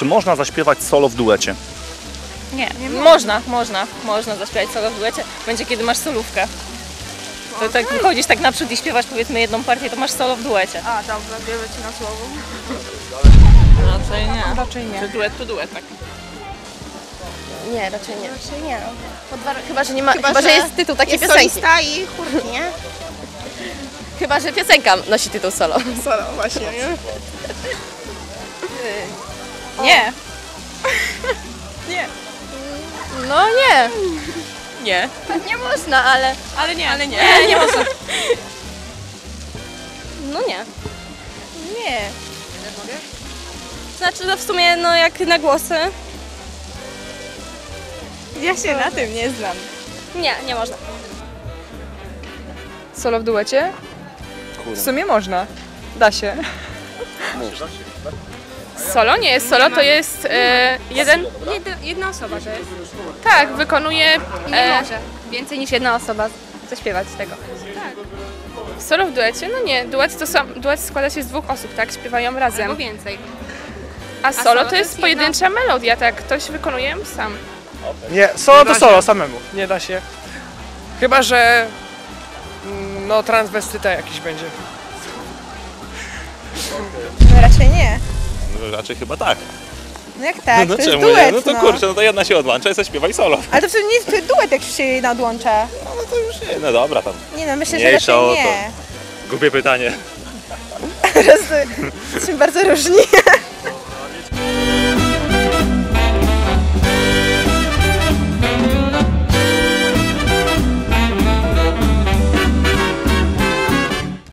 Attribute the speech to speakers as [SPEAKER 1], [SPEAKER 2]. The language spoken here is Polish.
[SPEAKER 1] Czy można zaśpiewać solo w duecie?
[SPEAKER 2] Nie. Można zaśpiewać solo w duecie. Będzie kiedy masz solówkę. To tak wychodzisz tak naprzód i śpiewasz powiedzmy jedną partię, to masz solo w duecie.
[SPEAKER 3] A, dobra, biorę ci na słowo.
[SPEAKER 2] Raczej nie.
[SPEAKER 3] Raczej nie.
[SPEAKER 2] Czy duet to duet, tak?
[SPEAKER 4] Nie, raczej nie. Raczej nie. Chyba, że nie ma, chyba, że jest tytuł takiej piosenki.
[SPEAKER 3] Solista i chórki, nie?
[SPEAKER 4] Chyba, że piosenka nosi tytuł solo.
[SPEAKER 3] Solo, właśnie, nie?
[SPEAKER 2] Nie.
[SPEAKER 4] No nie.
[SPEAKER 2] Nie.
[SPEAKER 4] Nie można, ale...
[SPEAKER 2] Ale nie.
[SPEAKER 4] Nie można. No nie.
[SPEAKER 2] Nie.
[SPEAKER 4] Znaczy, no w sumie, no jak na głosy.
[SPEAKER 2] Ja się na tym nie znam.
[SPEAKER 4] Nie, nie można.
[SPEAKER 5] Solo w duecie? W sumie można. Da się.
[SPEAKER 6] Solo nie jest solo, to jest
[SPEAKER 5] Jedna osoba to jest.
[SPEAKER 6] tak, wykonuje
[SPEAKER 5] Nie może. Więcej niż jedna osoba zaśpiewać tego.
[SPEAKER 6] solo w duecie. No nie, duet składa się z dwóch osób, tak? Śpiewają
[SPEAKER 5] Albo
[SPEAKER 6] razem.
[SPEAKER 5] więcej.
[SPEAKER 6] A solo to jest pojedyncza melodia, tak? Ktoś wykonuje ją sam.
[SPEAKER 7] Nie, solo to solo, samemu. Nie da się. Chyba, że no transwestyta jakiś będzie.
[SPEAKER 3] No raczej nie.
[SPEAKER 1] No, raczej chyba tak.
[SPEAKER 3] No jak tak,
[SPEAKER 1] No
[SPEAKER 3] to jest
[SPEAKER 1] czemu
[SPEAKER 3] duet,
[SPEAKER 1] nie? No to kurczę, no to jedna się odłącza i zaśpiewaj solo.
[SPEAKER 3] Ale to wtedy nie jest duet, jak się jej nadłącza.
[SPEAKER 1] No to już nie, no dobra tam.
[SPEAKER 3] Nie no, myślę, że
[SPEAKER 1] Mniejsza o
[SPEAKER 3] raczej
[SPEAKER 1] to.
[SPEAKER 3] nie.
[SPEAKER 1] Głupie pytanie.
[SPEAKER 3] Jesteśmy bardzo różni.